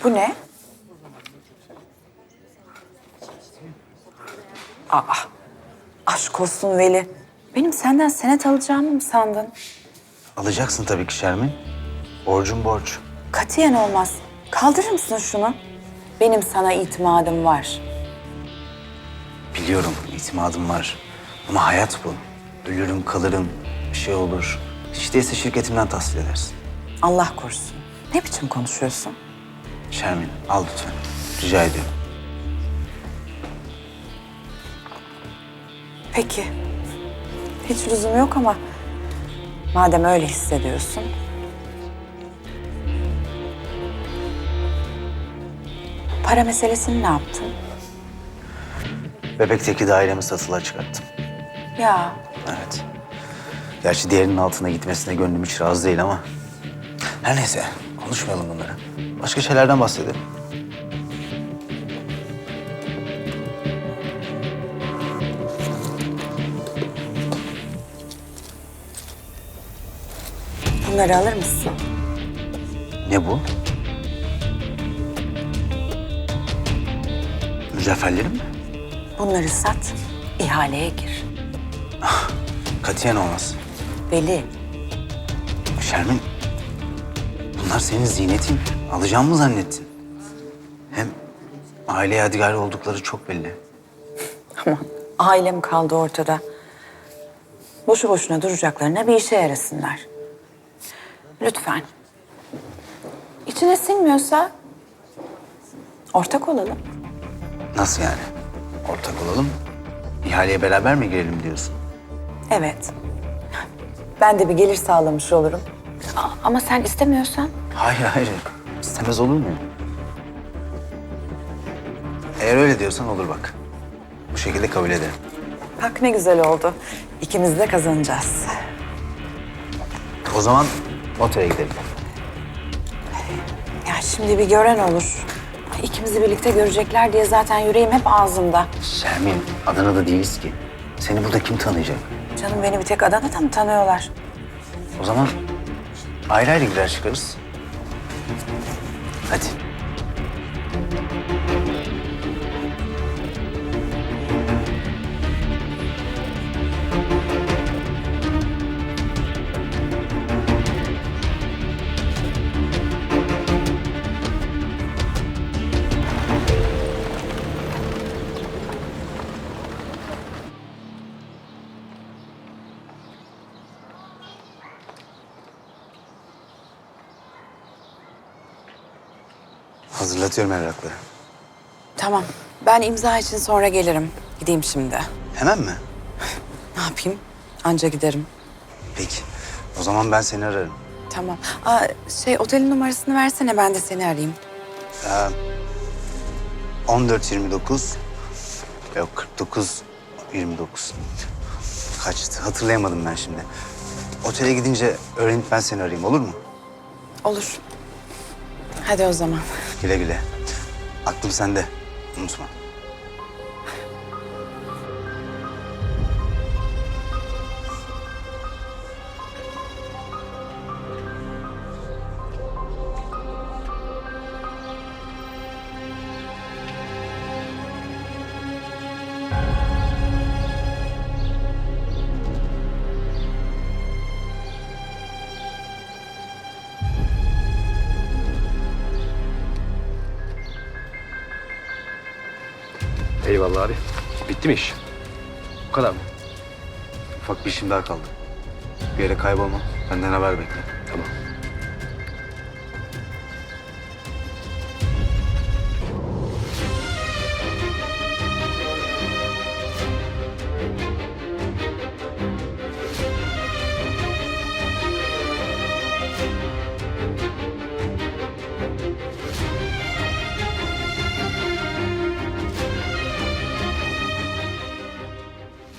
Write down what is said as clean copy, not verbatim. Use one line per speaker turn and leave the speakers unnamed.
Bu ne? Aa, aşk olsun Veli. Benim senden senet alacağımı mı sandın?
Alacaksın tabii ki Şermin. Borcun borç.
Katiyen olmaz. Kaldırır mısın şunu? Benim sana itimadım var.
Biliyorum itimadım var. Ama hayat bu. Ölürüm kalırım, bir şey olur. Hiç değilse şirketimden tahsil edersin.
Allah korusun. Ne biçim konuşuyorsun?
Şermin al lütfen. Rica ediyorum.
Peki. Hiç lüzum yok ama madem öyle hissediyorsun. Para meselesini ne yaptın?
Bebek'teki dairemi satılığa çıkarttım.
Ya
Evet. Gerçi diğerinin altına gitmesine gönlüm hiç razı değil ama... Her neyse, konuşmayalım bunları. Başka şeylerden bahsedelim.
bunları alır mısın?
Ne bu? Mücevherlerim mi?
Bunları sat, ihaleye gir.
Katiyen olmaz.
Veli,
Şermin, bunlar senin ziynetin. Alacağım mı zannettin? Hem aile yadigarı oldukları çok belli.
aman ailem kaldı ortada. Boşu boşuna duracaklarına bir işe yarasınlar. Lütfen. İçine sinmiyorsa ortak olalım.
Nasıl yani? Ortak olalım. İhaleye beraber mi girelim diyorsun?
Evet. Ben de bir gelir sağlamış olurum. Ama sen istemiyorsan
Hayır, hayır. İstemez olur mu? Eğer öyle diyorsan olur bak. Bu şekilde kabul ederim.
bak ne güzel oldu. İkimiz de kazanacağız.
O zaman otele gidelim.
Ya şimdi bir gören olur. İkimizi birlikte görecekler diye zaten yüreğim hep ağzımda.
Şermin, Adana'da değiliz ki. Seni burada kim tanıyacak?
Canım beni bir tek Adana'da mı tanıyorlar?
O zaman ayrı ayrı girer çıkarız. Hadi. Hazırlatıyorum evrakları.
Tamam. Ben imza için sonra gelirim. Gideyim şimdi.
Hemen mi?
Ne yapayım? Anca giderim.
Peki. O zaman ben seni ararım.
Tamam. Otelin numarasını versene ben de seni arayayım.
14:29. Yok 49:29. Kaçtı? Hatırlayamadım ben şimdi. Otele gidince öğrenip ben seni arayayım olur mu?
Olur. Hadi o zaman.
Güle güle. Aklım sende. Unutma.
Eyvallah abi. Bitti mi iş? Bu kadar mı?
Ufak bir işim daha kaldı. Bir yere kaybolma. Benden haber bekle.